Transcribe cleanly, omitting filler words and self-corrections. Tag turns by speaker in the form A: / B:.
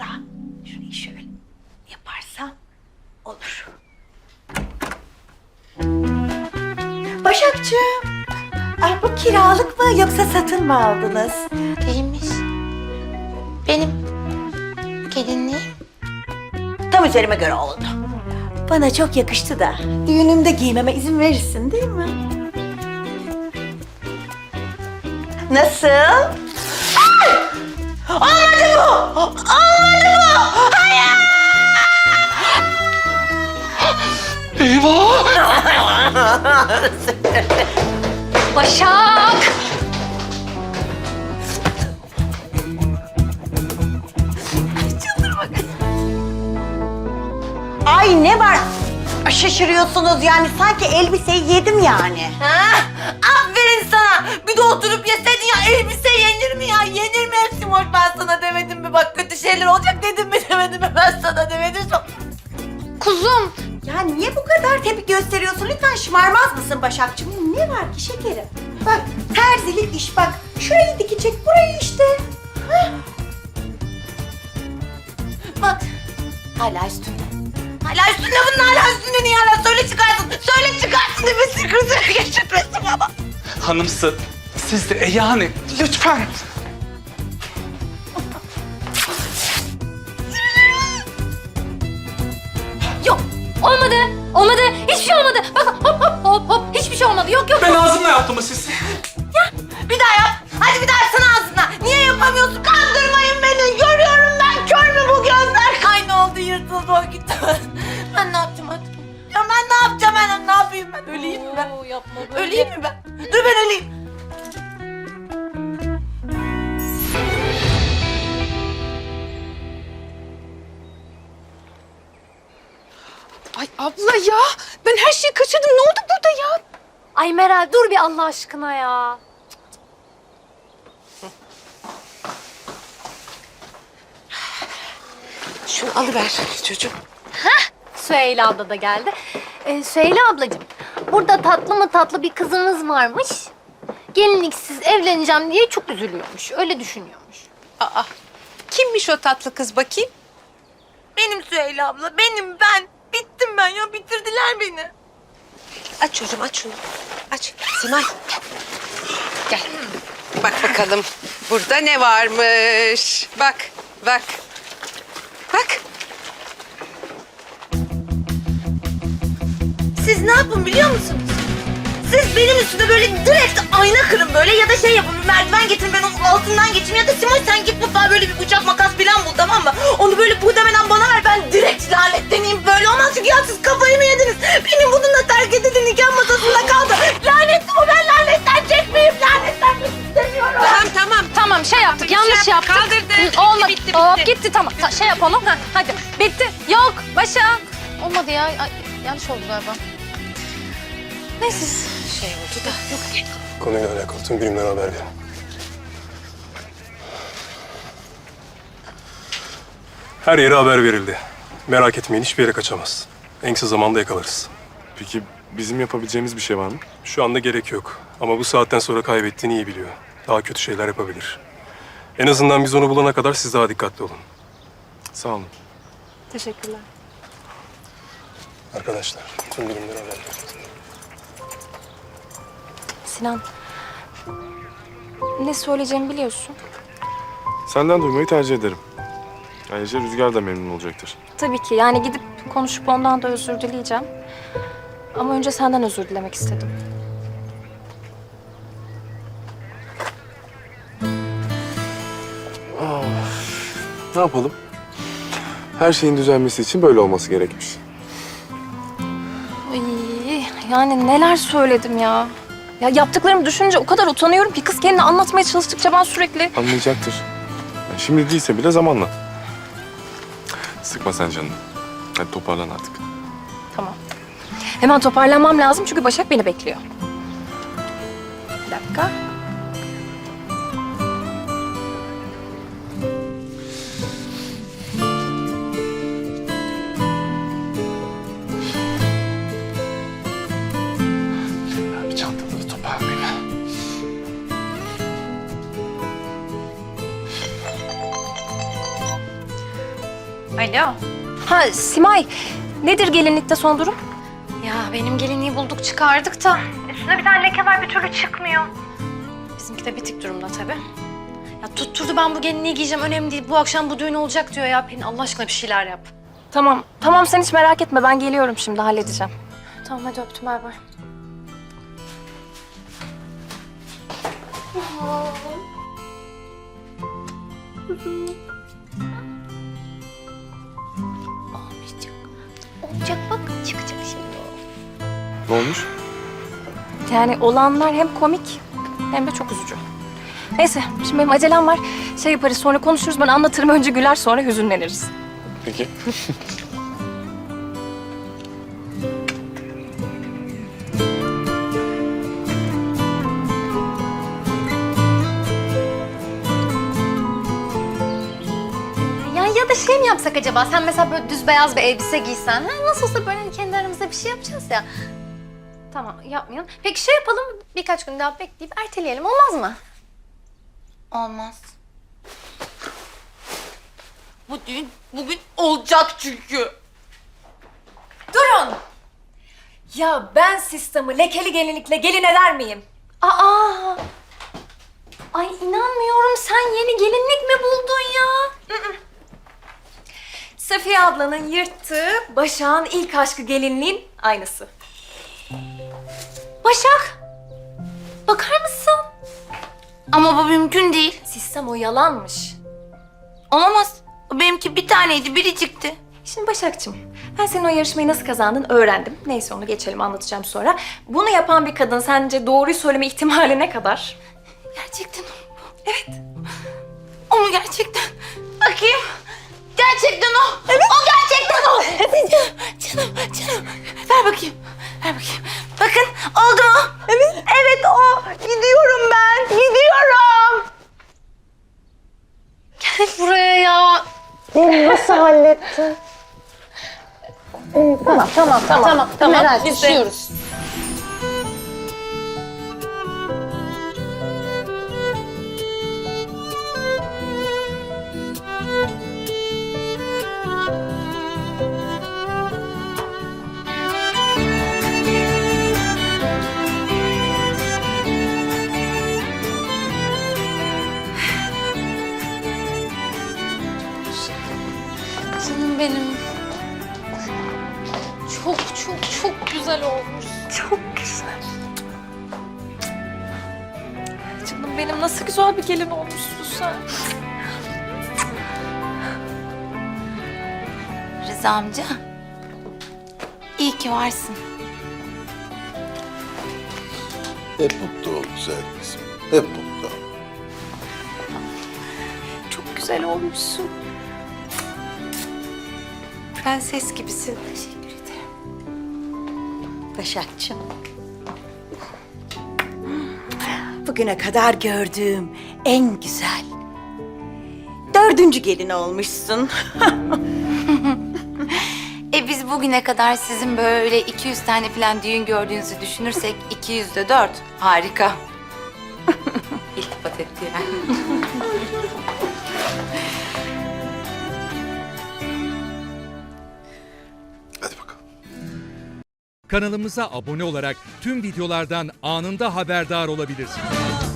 A: da şurayı şöyle yaparsam olur. Başakçığım, bu kiralık mı yoksa satın mı aldınız?
B: Değilmiş. Benim gelinliğim.
A: Tam üzerime göre oldu. Bana çok yakıştı da düğünümde giymeme izin verirsin değil mi? Nasıl? Ay! Olmadı bu! Olmadı bu! Hayır!
C: Eyvah!
B: Başak!
A: Ay ne var? Şaşırıyorsunuz yani sanki elbiseyi yedim yani.
B: Ha? Aferin sana. Bir de oturup yeseydin ya, elbise yenir mi ya? Yenir mi hepsi boş? Ben sana demedim mi? Bak kötü şeyler olacak dedim mi demedim mi? Ben sana demedim. Kuzum.
A: Ya niye bu kadar tepki gösteriyorsun? Lütfen şımarmaz mısın Başakçığım? Ne var ki şekerim? Bak terzilik iş bak. Şurayı dikecek burayı işte. Hah.
B: Bak. Hala üstünde. Hala üstünde bunun, hala üstünde. Niye hala? Söyle çıkarsın. Söyle çıkarsın. Nefesini kızına geçirmesin ama.
C: Hanımsı, siz de yani lütfen.
B: Yok. Olmadı. Olmadı. Hiçbir şey olmadı. Bak hop hop hop hop. Hiçbir şey olmadı. Yok yok.
C: Ben ağzımla yaptım mı siz?
B: Bir daha yap. Hadi bir daha yapsana ağzına. Niye yapamıyorsun? Kandırmayın beni. Görüyorum ben. Kör mü bu gözler? Kayna oldu, yırtıldı o gitti. Ben ne yapacağım artık? Ya ben ne yapacağım ben? Ne yapayım ben? Öleyim mi ben?
D: Yapma böyle.
B: Öleyim mi ben? Dur ben öleyim.
D: Ay abla ya, ben her şeyi kaçırdım. Ne oldu burada ya?
E: Ay Meral dur bir Allah aşkına ya.
D: Şunu alıver çocuğum.
E: Süheyla abla da geldi. Süheyla ablacığım, burada tatlı mı tatlı bir kızınız varmış. Gelinliksiz evleneceğim diye çok üzülüyormuş. Öyle düşünüyormuş.
D: Aa, kimmiş o tatlı kız bakayım?
B: Benim Süheyla abla. Benim ben. Bittim ben ya. Bitirdiler beni.
D: Aç çocuğum, aç şunu. Aç. Simay. Gel. Bak bakalım. Burada ne varmış? Bak, bak. Bak.
B: Siz ne yapın biliyor musunuz? Siz benim üstüme böyle direkt ayna kırın böyle ya da şey yapın, bir merdiven getirin, ben onun altından geçeyim ya da Simoy sen git mutfağa böyle bir bıçak makas falan bul, tamam mı? Onu böyle buğdemeden bana ver, ben direkt lanetleneyim. Böyle olmaz çünkü ya siz kafayı mı yediniz? Benim bununla terk edildi, nikah masasında kaldı. Lanetli bu, ben lanetlenecek miyim? Lanetlenmek istemiyorum.
D: Tamam.
E: Tamam şey yaptık, yanlış yaptık.
D: Kaldırdı.
E: Olmadı.
D: Bitti.
E: Hop, gitti tamam. Şey yapalım. Ha, hadi. Bitti. Yok Başak. Olmadı ya. Ay, yanlış oldu galiba. Neyse.
D: Şey oldu da. Yok.
F: Konuyla alakalı tüm birimlere haber verin. Her yere haber verildi. Merak etmeyin, hiçbir yere kaçamaz. En kısa zamanda yakalarız.
G: Peki bizim yapabileceğimiz bir şey var mı?
F: Şu anda gerek yok. Ama bu saatten sonra kaybettiğini iyi biliyor. Daha kötü şeyler yapabilir. En azından biz onu bulana kadar siz daha dikkatli olun.
G: Sağ olun.
E: Teşekkürler.
F: Arkadaşlar, tüm birimlere haber verin.
E: Sinan. Ne söyleyeceğimi biliyorsun.
G: Senden duymayı tercih ederim. Ayrıca Rüzgar da memnun olacaktır.
E: Tabii ki. Yani gidip konuşup ondan da özür dileyeceğim. Ama önce senden özür dilemek istedim.
G: Ne yapalım? Her şeyin düzelmesi için böyle olması gerekmiş.
E: Ay, yani neler söyledim ya. Ya yaptıklarımı düşününce o kadar utanıyorum ki kız kendini anlatmaya çalıştıkça ben sürekli...
G: Anlayacaktır. Yani şimdi değilse bile zamanla. Sıkma sen canını. Hadi toparlan artık.
E: Tamam. Hemen toparlanmam lazım çünkü Başak beni bekliyor. Bir dakika.
C: Bir çantaları toparlayayım.
B: Alo.
D: Ha Simay, nedir gelinlikte son durum?
E: Ya benim gelinliği bulduk çıkardık da üstüne bir tane leke var bir türlü çıkmıyor. Bizimki de bitik durumda tabii. Ya tutturdu ben bu gelinliği giyeceğim önemli değil. Bu akşam bu düğün olacak diyor ya. Pelin Allah aşkına bir şeyler yap.
D: Tamam sen hiç merak etme, ben geliyorum şimdi, halledeceğim.
E: Tamam hadi öptüm bay bay. Olmayacak. Olacak bak çıkacak şimdi o.
G: Ne olmuş?
D: Yani olanlar hem komik hem de çok üzücü. Neyse, şimdi benim acelem var. Şey yaparız, sonra konuşuruz, ben anlatırım, önce güler sonra hüzünleniriz.
G: Peki.
E: Ya da şey mi yapsak acaba? Sen mesela böyle düz beyaz bir elbise giysen. Ha? Nasıl olsa böyle kendi aramızda bir şey yapacağız ya. Tamam yapmayalım. Peki şey yapalım birkaç gün daha bekleyip erteleyelim olmaz mı?
B: Olmaz. Bu düğün bugün olacak çünkü.
D: Durun! Ya ben sistemi lekeli gelinlikle gelin eder miyim?
E: Aa! Ay inanmıyorum sen yeni gelinlik mi buldun ya?
D: Safiye ablanın yırttığı Başak'ın ilk aşkı gelinliğin aynısı.
E: Başak! Bakar mısın?
B: Ama bu mümkün değil.
D: Sistem o yalanmış.
B: Olamaz. Benimki bir taneydi, biri çıktı.
D: Şimdi Başak'cığım, ben senin o yarışmayı nasıl kazandın öğrendim. Neyse onu geçelim, anlatacağım sonra. Bunu yapan bir kadın sence doğruyu söyleme ihtimali ne kadar?
B: Gerçekten o. Evet. O mu gerçekten? Bakayım. Gerçekten o. Evet. O gerçekten o. Evet. Canım. Ver bakayım. Bakın oldu mu? Evet. Evet o. Gidiyorum ben. Gidiyorum.
E: Gel buraya ya. Tamam. Herhalde düşüyoruz. Canım benim. Çok güzel olmuş.
D: Çok güzel. Canım benim, nasıl güzel bir gelin olmuşsun sen.
B: Rıza amca. İyi ki varsın.
H: Hep mutlu ol güzel kızım. Hep mutlu ol.
D: Çok güzel olmuşsun.
B: Prenses gibisin.
A: Teşekkür ederim. Başakçığım. Bugüne kadar gördüğüm en güzel 4. gelin olmuşsun.
B: Biz bugüne kadar sizin böyle 200 tane falan düğün gördüğünüzü düşünürsek 200'de 4. Harika. İltifat etti yani.
H: Hadi bakalım.
I: Kanalımıza abone olarak tüm videolardan anında haberdar olabilirsiniz.